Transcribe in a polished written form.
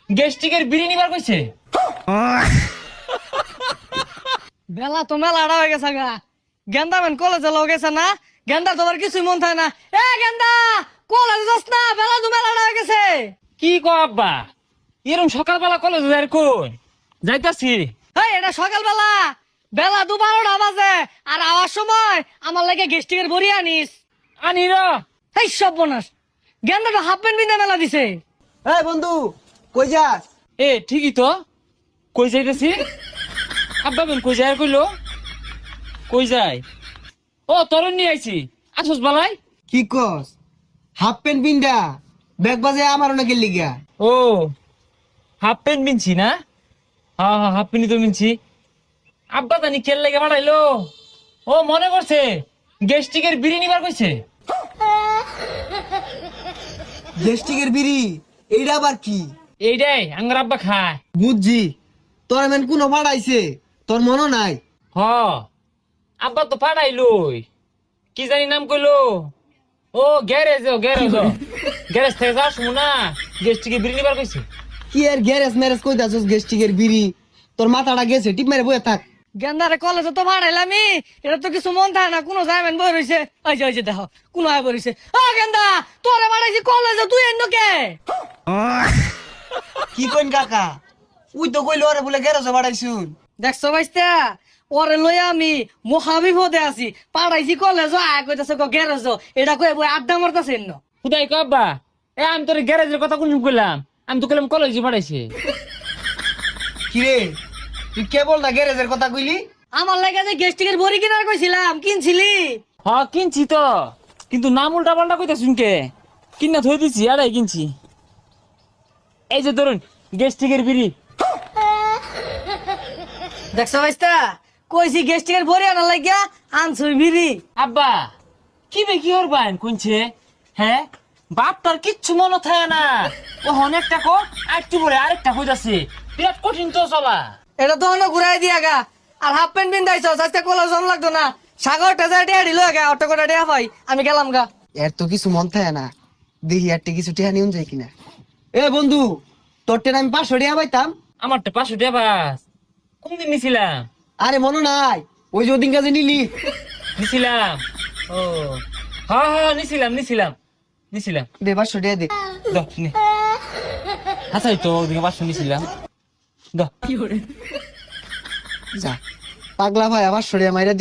গ্যাস্ট্রিকের বিড়ি নিবার কইছে। বেলা তো মেলা আড়া হয়ে গেছে গা। গেন্দা মেন কলেজে লও গেছে না, গেন্দা তোমার কিছুই মন থাকে না। এ গেন্দা, কলেজে যাস না, বেলা তো মেলা আড়া হয়ে গেছে। কি কো আব্বা, এরম সকালবেলা কলেজ যাই কোন যাইতাছি। এই এটা সকালবেলা, বেলা 12টা বাজে, আর আওয়ার সময় আমার লাগে গেস্টিকের বড়ি আনিস। আনি র। এই সব বনাস, গেন্দাটা হাফ প্যান্ট বিন্দা মেলা দিছে। এই বন্ধু, কই যাস? এ ঠিকই তো, কই যাইতেছি। আব্বা বেন কই যায় কইলো, কই যায়? ও তরুণ নিয়ে আইছি, আসস বালাই। কি কস? হাফ প্যান্ট পিন্ডা ব্যাগ বাজে আমার নাকি লিগা? ও হাফ প্যান্ট মিনছি না? হ্যাঁ হ্যাঁ, হাফ প্যান্টই তো মিনছি। আব্বা জানি কেল লেগে বাড়াইলো। ও মনে করছে গ্যাস্ট্রিকের বিড়ি নিবার কইছে। গেস্টিকের বিড়ি, এইটা আবার কি? এইটাই আঙ্গার আব্বা খায়। বুঝছি, তোর এমন কোনো ভাড়াইছে তোর মনে নাই? হ আব্বা তো পাঠাইলই, কি জানি নাম কইলো। ও গ্যারেজ, গ্যারেজ থেকে যাস না, গ্যাস্ট্রিকের বিড়ি নিবার কইছে। কি এর গ্যারেজ ম্যারেজ কই দাসস? গেস্টিকের বিড়ি তোর মাথাটা গেছে, টিপ মেরে বয়ে থাক। গেন্দারে কলেজে তো ভাড়াইলামি, এটা তো কিছু মন থাকে না, কোনো যাইবেন বই রইছে। ওই যে দেখো, কোনো আয় বইছে। ও গেন্দা, তোরে ভাড়াইছি কলেজে, তুই এন্ন কে? কি কইন কাকা? উই তো কইলো আরে বলে গ্যারেজে ভাড়াইছুন। দেখছো ভাইস্তা, ওরে লই আমি মহাবিপদে আছি, পাড়াইছি কলেজ, আয় কইতাছে গ্যারেজ, এটা কই বই আড্ডা মারতাছে এন্ন। খুদাই কো আব্বা, এ আমি তোর গ্যারেজের কথা কোন কইলাম? আমি তো কইলাম কলেজে পাঠাইছে। কি রে, তুই কেবল না গ্যারেজের কথা কইলি? আমার লাগে যে গেস্টিকের বড়ি কিনার কইছিলাম, কিনছিলি? হ কিনছি তো, কিন্তু নাম উল্টা পাল্টা কইতা শুনকে কিনা থই দিছি, আড়াই কিনছি। এই যে ধরুন গ্যাস্ট্রিকের বিড়ি। দেখছো ভাইস্তা, কইছি গেস্টিকের বড়ি আনার লাগিয়া আনছুই বিড়ি। আব্বা কি বে কি করবেন কোনছে? হ্যাঁ বাপ তার কিচ্ছু মনে থাকে না। ও অনেকটা কো আরেকটু পরে আরেকটা কইতাছে, বিরাট কঠিন তো চলা। এটা তো অন্য ঘুরাই দিয়া গা, আর হাফ প্যান্ট পিন্দাইছ, আজকে কলেজ জন লাগতো না। সাগরটা যা টিয়া দিল গা, অটো করে টিয়া পাই, আমি গেলাম গা। এর তো কিছু মন থাকে না, দেখি একটা কিছু টেহা নিউন যায় কিনা। এ বন্ধু, তোর টেন আমি 500 টাকা পাইতাম। আমারটা 500 টাকা বাস। কোনদিন নিছিলাম? আরে মনে নাই, ওই যে ওদিন কাজে নিলি। নিছিলাম। ও হ্যাঁ হ্যাঁ, নিছিলাম। দে 500 টাকা দে। দাও নে। আচ্ছা তো ওদিকে 500 নিছিলাম। দাও। যা পাগলা ভাই, 500 টাকা মাইরা